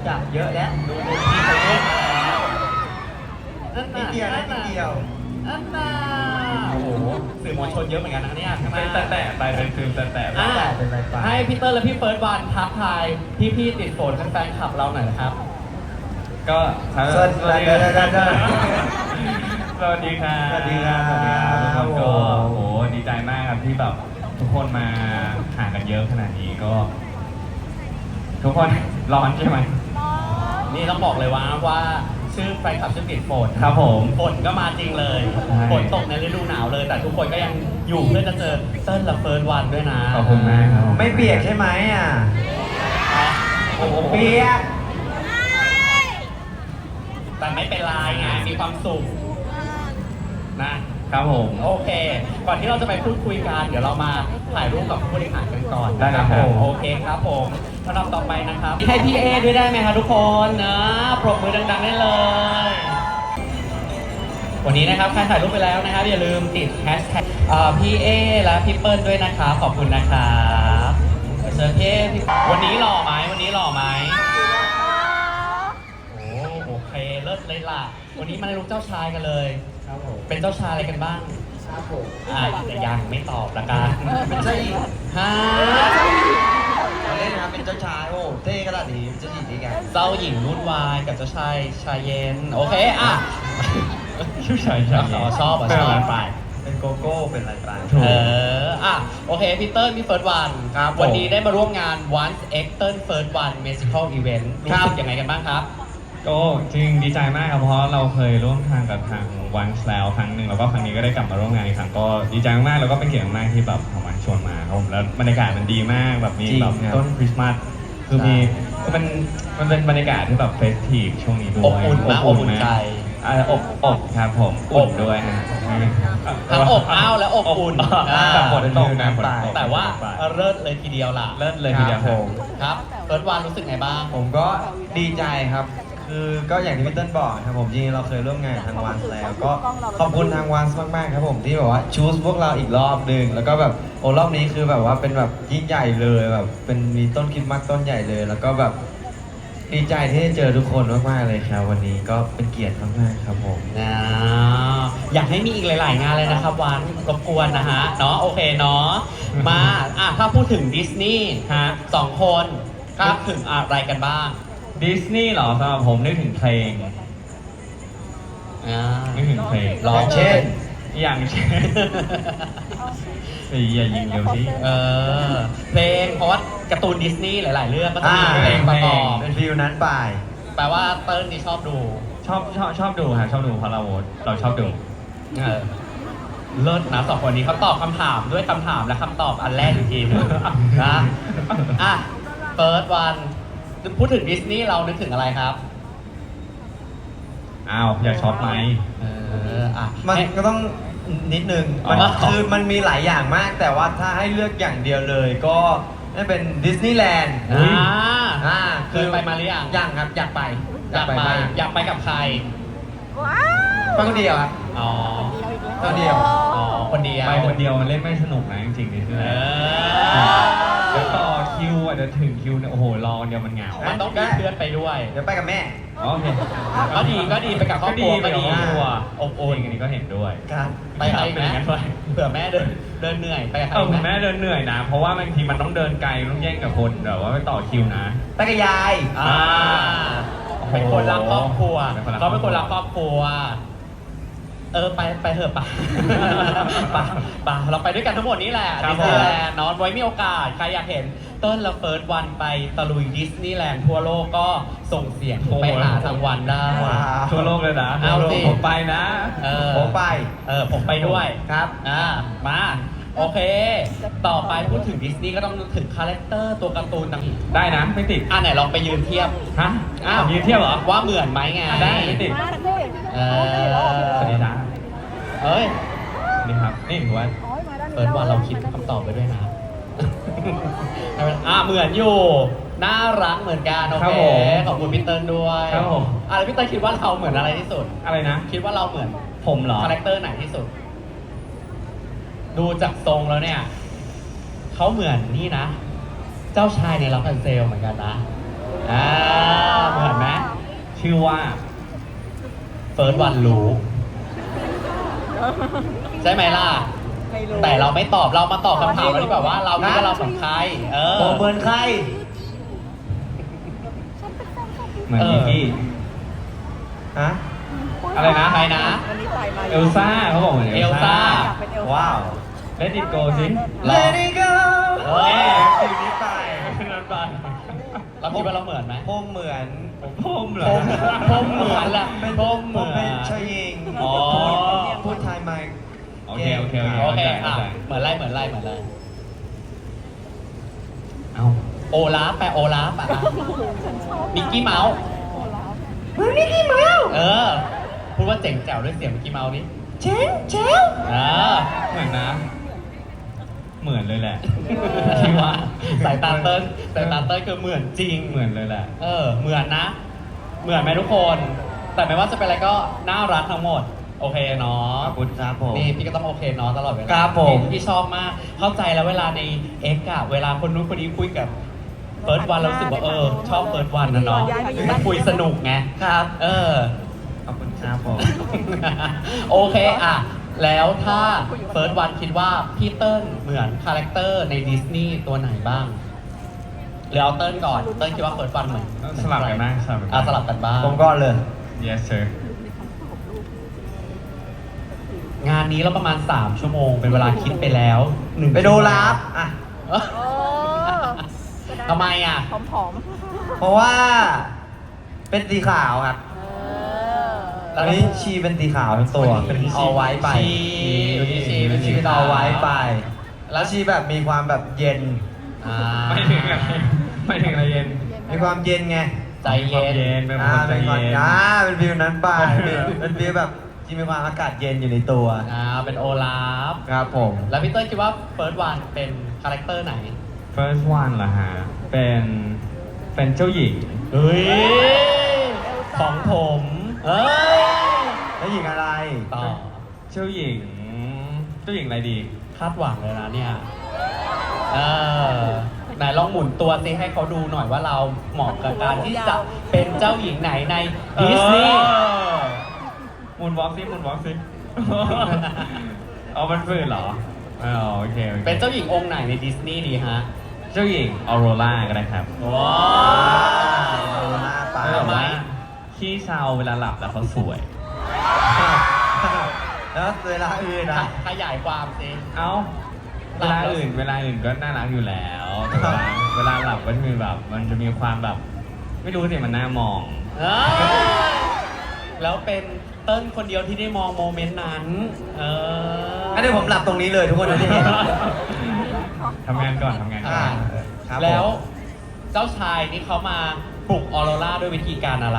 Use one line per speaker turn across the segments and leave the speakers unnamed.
จากเยอะแล้ว
ดูที่เขาเล่นแล้วนั่น
นิ
น่ะ
ดเดียวนะ
นั่น
นิด
น่ะ
เดียว
นั่นน่ะโอ้โหสื่อมวลชนเยอะเหมือนกันนะเนี่ยข้างห
เป็น
น้า
แต่ไปเป็นฟิล์มแต่ไป
อ่ะ
เป็นไรไป
ให้พี่เตอร์และพี่เฟิร์สวันทักทายพี่ๆติดฝนแฟนๆขับเราหน่อยนะครับ
ก็
สวัสดีครับ
สวัสดีครับ
สวัสดีครับ
สวัสดีครับทุกคนก็
โอ้
โอ้
โห
โหดีใจมากครับที่แบบทุกคนมาหากันเยอะขนาดนี้ก็ ทุกคนร้อนใช่ไหม
นี่ต้องบอกเลยว่าชื่อแฟนคลับชื่อติดฝน
ครับผม
ฝนก็มาจริงเลย
ใช่
ฝนตกในฤดูหนาวเลย แต่ทุกคนก็ยังอยู่เพื่อจะเจอเติ้ลและเฟิร์สวันด้วยนะ
ขอบคุณมากครับ
ไม่เปียกใช่ไหมอ่ะ
โอ้โห
เปียก
แต่ไม่เป็นไรไงมีความสุขนะครับ
ผม
โอเค ก่อนที่เราจะไปพูดคุยกันเดี๋ยวเรามาถ่ายรูปกับผู้บริหารกันก่อน
ได้ครับ
ผมโอเคครับผมลำดับต่อไปนะครับให้พี่เอด้วยได้ไหมครับทุกคนนะปรบมือดังๆได้เลย วันนี้นะครับใครถ่ายรูปไปแล้วนะครับอย่าลืมติดแฮชแท็กพี่เอและพี่เปิ้ลด้วยนะครับขอบคุณนะครับเชิญพี่เอวันนี้หล่อไหมวันนี้หล่อไหมโอเคเลิศเลยล่ะวันนี้มาในลุคเจ้าชายกันเลย
ครับผม
เป็นเจ้าชายอะไรกันบ้าง
ครับผม
แต่ยังไม่ตอบละกัน
เป็นเจ้าหญิง
ฮะ
เราเล่นนะครับเป็นเจ้าชายโอ้เท่ขนาดนี้เจ้าหญิงนี่ไง
เจ้าหญิงวุ่นวายกับเจ้าชายชายเย็นโอเคอ่ะ
ชื่อชายชาย
ชอบไป
เป็นโกโก้เป็นอะไรไป
ถูก
อ่ะโอเคพี่เติ้ลพี่เฟิร์สวัน
ครับผม
วันนี้ได้มาร่วมงาน Once X เติ้ล First One Musical Event รู้สึกยังไงกันบ้างครับ
ก็จริงดีใจมากครับเพราะเราเคยร่วมทางกับทางวันแล้วครั้งหนึ่งแล้วก็ครั้งนี้ก็ได้กลับมาร่วมงานอีกครั้งก็ดีใจมากๆแล้วก็เป็นเกียรติมากที่แบบทางวันชวนมาครับผมแล้วบรรยากาศมันดีมากแบบมีแบบต้นคริสต์มาสคือมีคือมันเป็นบรรยากาศที่แบบเฟสทีฟช่วงนี้ด้วย
อบอุ่นนะอบอุ่นใจ
อบครับผมอุ่นด้วยฮะ
ทั้งอบอ้าวและอบอุ่น
แต่ฝนตกนะฝนตก
แต่ว่าเลิศเลยทีเดียวล่ะ
เลิศเลยทีเดียว
ครับผม
ครับเฟิร์สวันรู้สึกไงบ้าง
ผมก็ดีใจครับ คือก็อย่างที่พี่เติ้ลบอกครับผมจริงๆเราเคยร่วมงานกับทางวันแล้ว ก็ขอบคุณทางวันมากๆครับผมที่แบบว่าชูสพวกเราอีกรอบหนึ่งแล้วก็แบบโอ้รอบนี้คือแบบว่าเป็นแบบยิ่งใหญ่เลยแบบเป็นมีต้นคริสต์มาสต้นใหญ่เลย แล้วก็แบบดีใจที่ได้เจอทุกคนมากๆเลยครับ วันนี้ก็เป็นเกียรติมากๆครับผม
อยากให้มีอีกหลาย ๆ งานเลยนะครับวันรบกวนนะฮะเนาะโอเคเนาะมาถ้าพูดถึงดิสนีย์
ฮะ
สองคนนึกถึงอะไรกันบ้าง
ดิสนีย์เหรอสำหรับผมนึกถึงเพลงนึกถึงเพลง
ร้อง
เช่น
อย่างเช่นอย่ายิงเร็วสิ
เพลงเพราะว่าการ์ตูนดิสนีย์หลาย ๆ เรื่องก็จะมีเพลงประกอบ
เป็นฟิลนั้นไป
แปลว่าเติ้ลนี่ชอบดู
ชอบดูฮะชอบดูเพราะเราชอบดู
เลิศนะสองคนนี้เขาตอบคำถามด้วยคำถามและคำตอบอันแรกอีกทีหนึงนะเฟิร์สวันพูดถึงดิสนีย์เรานึกถึงอะไรครับ
อ้าวอยากช็อปไหม
มันก็ต้องนิดนึงมัน
อ๋อ
คือมันมีหลายอย่างมาก แต่ว่าถ้าให้เลือกอย่างเดียวเลยก็น่าเป็นดิสนีย์แลนด์
เคยไปมาหรือยัง
ยังครับอยากไป
อยากไป
มาก
อยากไปกับใคร
ไปคนเดียวครับ
อ๋อ
คนเดียว
อ๋อคนเดียว
ไปคนเดียวมันเล่นไม่สนุกนะจริงๆดิสนีย์
เอ
แลนด์
อ
เดี๋ยวต่อคิวอ่ะเดี๋ยวถึงคิวเนี่ยโอ้โหรอคนเดียวมันเหงา
มันต้องมีเพื่อนไปด้วย
เดี๋ยวไปกับแม่
โอเค
ก็ดีไปกับครอบครัวก็ดี
ครอบครัว
อบ
โอ้
อุ่
ย
น
อันนี้ก็เห็นด้วย
ครับ
ไปใครไหม
เป็นอย่างนั้นด้วย
เผื่อแม่เดินเหนื่อยไปกับใคร
คุณ
ไหม
แม่เดินเหนื่อยนะ เพราะว่าบางทีมันต้องเดินไกลต้องแย่งกับคนแบบว่าไปต่อคิวนะ
ไปกับยาย
เป็นคนรักครอบครัว
เป็นคนรัก
เขาเป็นคนรักครอบครัว ไปเถอะป่ะ ป่ะเราไปด้วยกันทั้งหมดนี้แหละ
ครั
ดิ
บ
สนีย์แลนด์เนอนไว้มีโอกาส ใครอยากเห็นเติ้ลและเฟิร์สวันไปตะลุยดิสนีย์แลนด์ทั่วโลกก็ส่งเสียงไปหาทางวันได้
ว้าว
ทั่วโลกเลยนะ
เอาสิ
ผมไปนะ
ผมไป
ผมไปด้วย
ครับ
มาโอเค ต่อไปพูดถึงดิสนีย์ก็ต้องนึกถึงคาแรคเตอร์ตัวการ์ตูนต่าง
ได้นะไม่ติด
ไหนลองไปยืนเทียบ
ฮะยืนเทียบเหรอ
ว่าเหมือนไหมไง
ได้ไม่ติด สวัสดีนะ
เอ้ย
นี่ครับ นี่ถือว่า
เปิดว่าเราคิดคำตอบไปด้วยนะ เหมือนอยู่ น่ารักเหมือนกันโอ
ครับ
เค
ผม
ขอบคุณพี่เติ้ลด้วย
ครับผม
แล้วพี่เติ้ลคิดว่าเราเหมือนอะไรที่สุด
อะไรนะ
คิดว่าเราเหมือน
ผมเหรอ
คาแรคเตอร์ไหนที่สุด ดูจากทรงแล้วเนี่ยเขาเหมือนนี่นะ เจ้าชายในล็อกแอนเซลเหมือนกันนะเหมือน
ชื่อว่า
เฟิร์สวันรู้ใช่ไหมล่ะ
ไม่รู้
แต่เราไม่ตอบเรามาตอบคำถามเราดีกว่าว่าเราคิดว่าเราเป็นใคร
โมเหมือนใคร
เหมือนอีกี้
ฮะ
อะไรนะ
ใครนะ
วันนี้ต่อยมา
เอลซ่าเขาบอกเหมือน
เอลซ่า
อยากเป็นเอลซ่า
ว้าว
Let it go สิ
Let it go
เฮ้ย
ทีนี้ไป
นั้นไป
เราคิดว่าเราเหมือนไหม
ผมเหมือน
ผมเหรอ
ผมเหมือนแหละ
เป็น
ผมเห
ผ
มื
ม
อน
เป็นชายหญิง
อ๋อ
พูดไทยไหม
โอเคโอเค
โอเค
เข้าใจ
เหมือนไรเหมือนไรเหมือนไร
เอ้า
โอลาฟแปลโอลาฟอ่ะ
ฉันชอบ
มิกกี้เมาส์
โอลาฟ
มิกกี้เมาส์
พูดว่าเจ๋งแจ๋วด้วยเสียงมิกกี้เมาส์นี่
เจ๋งเจ๋ว
เหมือนนะ เหมือนเลยแหละ
ที่ว่าสายตาเติ้ลสายตาเติ้ลคือเหมือนจริง
เหมือนเลยแหละ
เหมือนนะ เหมือนไหมทุกคน แต่ไม่ว่าจะเป็นอะไรก็น่ารักทั้งหมด โอเคเนาะ
ขอบคุณครับผม
นี่พี่ก็ต้องโอเคเนาะตลอดเวลา
ครับผม
พี่ชอบมาก เข้าใจแล้วเวลาในเอ็กอะเวลาคนนู้นคนนี้คุยกับเฟิร์สวันเรารู้สึกว่าชอบเฟิร์สวันนะเนาะมันคุยสนุกไง
ครับ
ขอบคุณครับผม
โอเคอะแล้วถ้าเฟิร์สวันคิดว่าพี่เติ้ลเหมือนคาแรคเตอร์ในดิสนีย์ตัวไหนบ้างหรือเอาเติ้ลก่อน เติ้ลคิดว่าเฟิร์สวันเหมือน
สลับกันบ้างสลับกันบ้าง
สลับกันบ้าง
ผมก่อนเลย
yes sir
งานนี้เราประมาณ 3 ชั่วโมง เป็นเวลาคิดไปแล้ว1
ไปดูลับอ่ะ
เอ้อ
โอ้ก็ด้
ทำไมอ่ะ
ผอม
เพราะว่าเป็นสีขาวครับ
ๆ
ตอนนี้ชีเป็นสีขาวทั้งตัว
เป็นชี
เอาไว้ไป
ชีเป็นชี
เป็นเอาไว้ไป
แล้
แล้ว วชีแบบมีความแบบเย็น
อ่า
ไม่ถึงอะไรไม่ถึงอะไรเย็น
มีความเย็นไง
ใจเย็น
เป็นคนใจ
เป็นความ
เย็น
เป็นฟิลนั้นไปเป็นฟิลแบบที่มีความอากาศเย็นอยู่ในตัว
เป็นโอลาฟ
ครับผม
แล้วพี่เติ้ลคิดว่าเฟิร์สวันเป็นคาแรคเตอร์ไหน
first one เหรอฮะ เป็นเจ้าหญิง
เฮ้ย ของผม เอ้ย
แล้วหญิงอะไร
ต่อ
เจ้าหญิงอะไรดี
คาดหวังเลยนะเนี่ย ไหนลองหมุนตัวซิให้เขาดูหน่อยว่าเราเหมาะกับการที่จะเป็นเจ้าหญิงไหนในดิสนีย์
มูนวอล์กซิ เอามันฝืนเหรออ๋อโอเคโอเค
เป็นเจ้าหญิงองค์ไหนในดิสนีย์ดีฮะ
เจ้าหญิงออโรราก็ได้ครับ
ว้า
เอาหน้าไป
แต่ว่าขี้เศร้าเวลาหลับแล้วเขาสวย
แล้วเวลาอื่นนะ
ขยายความซิ
เอ้า เวลาอื่นก็น่ารักอยู่แล้วแต่ว่าเวลาหลับก็จะมีแบบ มันจะมีความแบบ ไม่รู้สิมันน่ามอง
เอ้ยแล้วเป็นเติ้ลคนเดียวที่ได้มองโมเมนต์นั้น
งั้นเดี๋ยวผมหลับตรงนี้เลยทุกคนจะได้เห็น
ทำงานก่อน
อ่าครับผม
แล้วเจ้าชายนี่เขามาปลุกออโรราด้วยวิธีการอะไร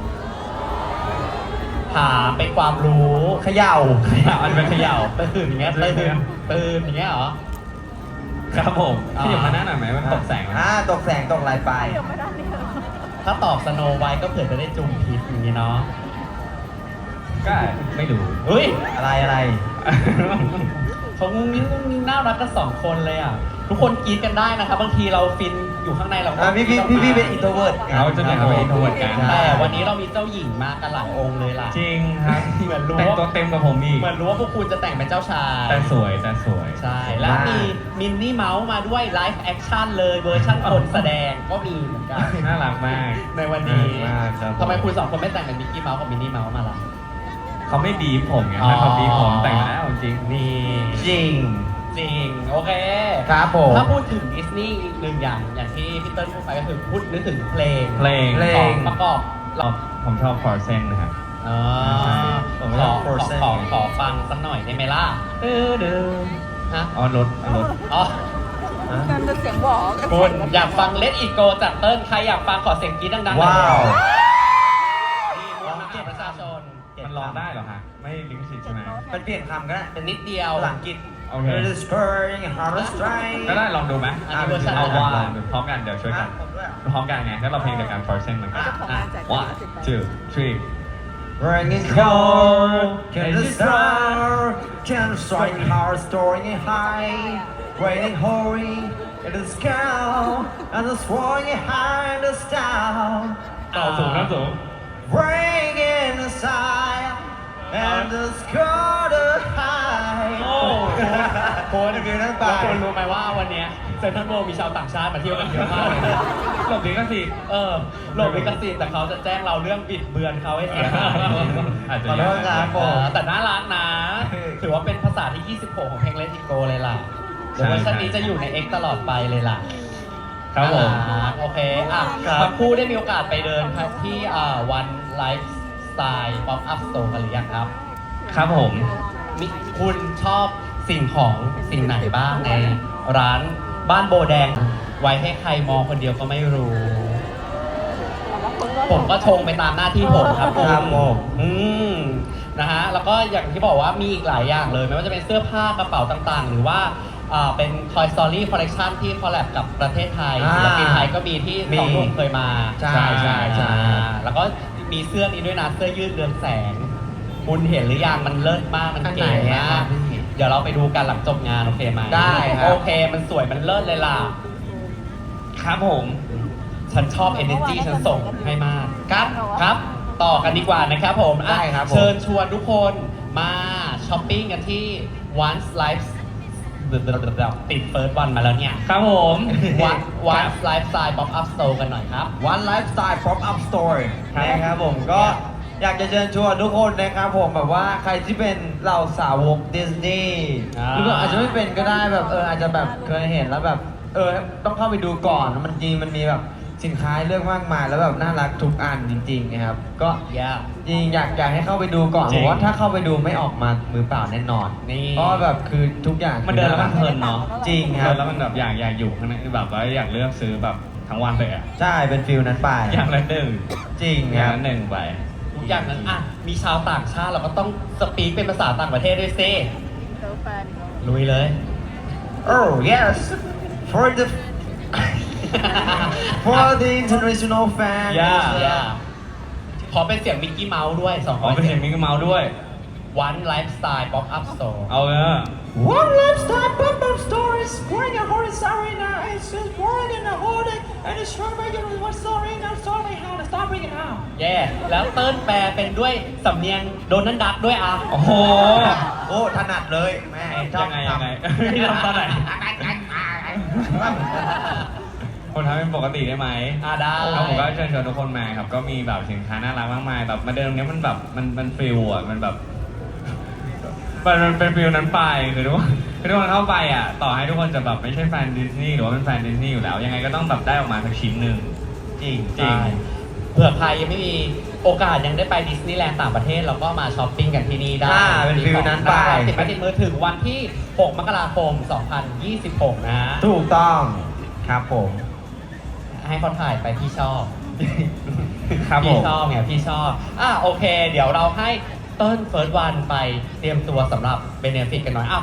ถามเป็นความรู้
เขย่า
มันเป็นเขย่า
ตื่นอย่างเงี้ยตื่นอย่างเงี้ยเหรอ
ครับผม
อ่า
ที่อยู่มาหน้าหน่อยไหมมันตกแสงนะ
ตกแสงตกอะไรไป
เดี๋ยวไม่ได้เนี่ย
ถ้าตอบสโนไวท์ก็เผื่อจะได้จุ่มพิษอย่างนี้เนาะ
ก็ไม่รู้
เฮ้ย
อะไร
เขางุ้งนิ้งน่ารักกัน2 คนเลยอ่ะ ทุกคนกรี๊ดกันได้นะครับ บางทีเราฟินอยู่ข้างในเราก็
พี่เป็นอินโทรเวิร์ด
เขาจะเป็นเขาเป็น introvert กัน
แต่วันนี้เรามีเจ้าหญิงมากันหลายองค์เลยล่ะ
จริงครับ
เหมือนรู้
แต่งตัวเต็มกับผมอีก
เหมือนรู้ว่าพวกคุณจะแต่งเป็นเจ้าชาย
แต่สวย
ใช่ แล้วมีมินนี่เมาส์มาด้วยไลฟ์แอคชั่นเลยเวอร์ชั่นคนแสดงก็มีเหมือนกัน
น่ารักมาก
ในวันนี้
มากครับ
ทำไมคุณ2 คนไม่แต่งเป็นมิกกี้เมาส์กับมินนี่เมาส์มาล่ะ
เขาไม่บีบผมไงถ้าเขาบีบผมแต่งแล้วจริง
นี่
จริง
จริง โอเค
ครับผม
ถ้าพูดถึงดิสนีย์อีกหนึ่งอย่างที่พี่เติ้ลพูดไปก็คือพูดนึกถึงเพลง
เพลง
เพลง
ของประกอบ
ผมชอบฟอร์เซนนะครับ
อ๋อ
ผม
ข
ช
อ
อบ
ขอ
Frozen
ขอฟังสักหน่อยได้ไหมล่ะฮะ
อ๋อรถ
อ๋อ
กันจะเสียงหวอกัน
คุณอยากฟังเล t อีโกจากเติ้ลใครอยากฟังขอเสียงกรี๊ดดังๆหน่อย
ว้าว
นี่มวลมหาประชาชน
มันร้องได้เหรอฮะ ไม่ลิงก์สิทธิ์ใช่ไหม
มันเปลี่ยนคำก็ได้
เป็นนิดเดียว
ภาษาอังกฤษ
โอเค
It is spurring a hard strike
ก็ได้ลองดูไหม
อันนี้เวอร์ชัน
เอา
อะไร
ว่า
นะ
พร้อมกันเดี๋ยวช่วยกัน
ผมด้วยเหรอ
พร้อมกันไงแล้วเราเพลงเดียวกันฟอร์เซนเหมือนกัน
เจ้าของงานแจก
one two three
Ringing cold, can the star, can strike hard, soaring high, raining hoary in the sky, and the soaring high in the star.
ต่อสูงนะสูง
breaking the sign and the score the high
โอ้โห
เป็นฟิลนั้นไป
แล้วคุณรู้ไหมว่าวันเนี้ยเซ็นทรัลเวิลด์มีชาวต่างชาติมาเที่ยวกันเยอะมากเลยนะ
หลบลิขสิทธิ์
หลบลิขสิทธิ์แต่เขาจะแจ้งเราเรื่องบิดเบือนเขาให้เสียหาย
อาจจะ
ขอโทษครับผม
แต่น่ารักนะ ถือว่าเป็นภาษาที่ 26 ของเพลง Let It Go เลยล่ะ เดี๋ยวเวอร์ชันนี้จะอยู่ใน X ตลอดไปเลยล่ะ
ครับผม
น่ารักโอเคอ่ะ
ครับ
ทั้งคู่ได้มีโอกาสไปเดินที่วันไลฟ์สไตล์ป๊อปอัพสโตร์กันหรือยังครับ
ครับผม
มีคุณชอบสิ่งของสิ่งไหนบ้างในร้านบ้านโบแดง ไว้ให้ใครมองคนเดียวก็ไม่รู้ ผมก็ชงไปตามหน้าที่ผมครับผม
ครับผม
นะฮะ แล้วก็อย่างที่บอกว่ามีอีกหลายอย่างเลย ไม่ว่าจะเป็นเสื้อผ้ากระเป๋าต่างๆ หรือว่าเป็น Toy Story Collection ที่คอลแลบกับประเทศไทยศิลปินไทยก็มีที่สองหนุ่มเคยมา
ใช่ใช่ใช่
แล้วก็มีเสื้อนี้ด้วยนะ เสื้อยืดเรืองแสง คุณเห็นหรือยังมันเลิศมาก มันเก๋มาก เดี๋ยวเราไปดูกันหลังจบงานโอเคไหม
ได้ครับ
โอเค มันสวยมันเลิศเลยล่ะ
ครับผม
ฉันชอบ energy ฉันส่งให้มาก ครับ ต่อกันดีกว่านะครับผมอ่ะ
ได้ครับผม
เชิญชวนทุกคนมาช้อปปิ้งกันที่ Once Life ติดเฟิร์สวันมาแล้วเนี่ย
ครับผม
Once Lifestyle Pop Up Store กันหน่อยครับ
One Lifestyle Pop Up Store
ครับ
นะครับผมก็อยากจะเชิญชวนทุกคนนะครับผมแบบว่าใครที่เป็นเหล่าสาวกดิสนีย์
อ่า
หรือว่าอาจจะไม่เป็นก็ได้แบบอาจจะแบบเคยเห็นแล้วแบบต้องเข้าไปดูก่อนมันจริงมันมีแบบสินค้าให้เลือกมากมายแล้วแบบน่ารักทุกอันจริงๆนะครับก็
Yeah
จริงอยากให้เข้าไปดูก่อน
จริ
เพ
ง
ราะว่าถ้าเข้าไปดูไม่ออกมามือเปล่าแน่นอน
นี่
เพราะว่าแบบคือทุกอย่าง
มันเดินแล้วมันเพลินเนาะ
จริงค
เดิ
รับ
นแล้วมันแบบอยากอยู่ข้างในแบบว่าอยากเลือกซื้อแบบทั้งวันเลยอ่ะ
ใช่เป็นฟิลนั้นไป
อย่างละหนึ่ง
จริง
อ
ค
ย่าง
รับ
ละหนึ่งไป
ทุกอย่างนั้นอ่ะมีชาวต่างชาติเราก็ต้องสปีกเป็นภาษาต่างประเทศด้วยซิ
เจอแฟน
ลุยเลย
Oh yes for the for the international fan
yeah ขอเป็นเสียงมิกกี้เมาส์ด้วยสอง
ขอเป็นเสียงมิกกี้เมาส์ด้วย
One Lifestyle Pop Up Store
เอาเลย
One lifestyle pop-up store is growing a whole arena. It's just more than a whole day, and it's short by your one story now. Sorry how to stop it now.
แย่แล้วเติ้ลแปลเป็นด้วยสำเนียงโดนัลด์ดักด้วยอ่ะ
โอ้โห
โอ้ถนัดเลยแม่ชอบ
ยังไง พี่ทำตอนไหน ผมทำเป็นปกติได้ไหม
ได้
ครับผมก็เชิญชวนทุกคนมาครับ ก็มีแบบสินค้าน่ารักมากมายแบบมาเดินตรงนี้มันแบบมันฟิลอ่ะมันแบบมันเป็นฟิลนั้นไปคือทุกคนเข้าไปอ่ะต่อให้ทุกคนจะแบบไม่ใช่แฟนดิสนีย์หรือว่าเป็นแฟนดิสนีย์อยู่แล้ว ยังไงก็ต้องแบบได้ออกมาสักชิ้นหนึ่ง
จริง
จริง
เผื่อใครยังไม่มีโอกาสยังได้ไปดิสนีย์แลนด์ต่างประเทศเราก็มาช้อปปิ้งกันที่นี่ได้
เป็นฟิลนั้นไป
ติดไปติดมือถึงวันที่ 6 มกราคม 2026 นะฮะ
ถูกต้องครับผม
ให้เขาถ่ายไปพี่ชอบ
ครับผม
พี่ชอบไงพี่ชอบโอเค เดี๋ยวเราให้เติ้ลเฟิร์สวันไปเตรียมตัวสำหรับเบเนฟิตกันหน่อย